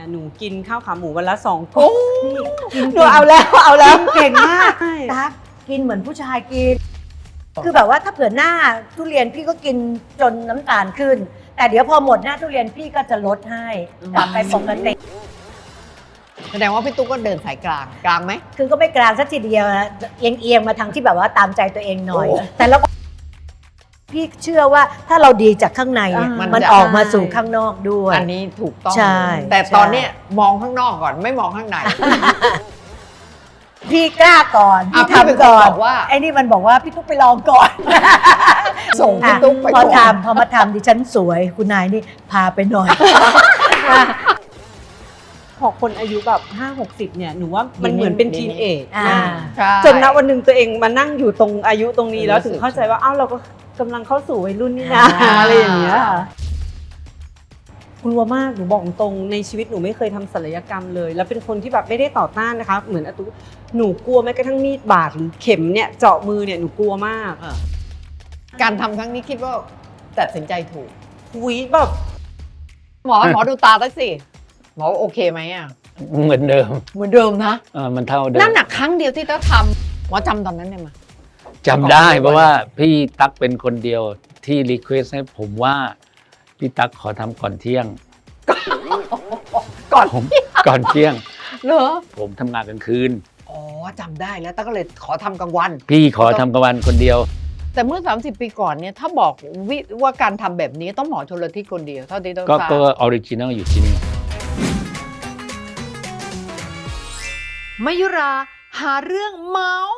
หนูกินข้าวขาหมูวันละ2 กล่องกินหนูเอาแล้วกินเก่งมากใช่ตั๊กกินเหมือนผู้ชายกิน คือแบบว่าถ้าเผื่อหน้าทุเรียนพี่ก็กินจนน้ำตาลขึ้น แต่เดี๋ยวพอหมดหน้าทุเรียนพี่ก็จะลดให้กลับไปปกติแสดงว่าพี่ตุ๊กก็เดินสายกลางไหมคือก็ไม่กลางสักทีเดียวนะเอียงมาทางที่แบบว่าตามใจตัวเองหน่อยโอ้แต่เราพี่เชื่อว่าถ้าเราดีจากข้างในเนี่ยมันมันจะออกมาสู่ข้างนอกด้วยอันนี้ถูกต้องใช่แต่ตอนเนี้ยมองข้างนอกก่อนไม่มองข้างในพี่กล้าก่อนอ่ะพี่พี่เป็นทำก่อนคนบอกว่าไอ้นี่มันบอกว่าพี่ตุ๊กไปลองก่อนส่งพี่ตุ๊กไปพอก่อนทำพอมาทำดิฉันสวยคุณนายนี่พาไปหน่อยพอคนอายุแบบ5-60เนี่ยหนูว่ามันเหมือนเป็นทีนเอจอ่าใช่จนณวันหนึ่งตัวเองมานั่งอยู่ตรงอายุตรงนี้แล้วถึงเข้าใจว่าอ้าวเราก็กำลังเข้าสู่วัยรุ่นนี่นะอะไรอย่างเงี้ยกลัวมากหนูบอกตรงในชีวิตหนูไม่เคยทำศัลยกรรมเลย แล้วเป็นคนที่แบบไม่ได้ต่อต้านนะคะเหมือนอาตุหนูกลัวแม้กระทั่งมีดบาดหรือเข็มเนี่ยเจาะมือเนี่ยหนูกลัวมากการทำครั้งนี้คิดว่าตัดสินใจถูกคุยแบบหมอดูตาตั้งสิหมอโอเคไหมอ่ะเหมือนเดิมเหมือนเดิมนะมันเท่าเดิมนั่นหนักครั้งเดียวที่ต้องทำหมอจำตอนนั้นได้ไหมจำได้เพราะว่าพี่ตั๊กเป็นคนเดียวที่รีเควสให้ผมว่าพี่ตั๊กขอทำก่อนเที่ยงก่อนผมก่อนเที่ยงเหรอผมทำงานกลางคืนอ๋อจำได้แล้วตั้งก็เลยขอทำกลางวันพี่ขอทำกลางวันคนเดียวแต่เมื่อ 30 ปีก่อนเนี่ยถ้าบอกว่าการทำแบบนี้ต้องหมอชลทิศคนเดียวเท่าที่ต้องก็ทราบออริจินัลอยู่ที่นี่มายุราหาเรื่องเมาส์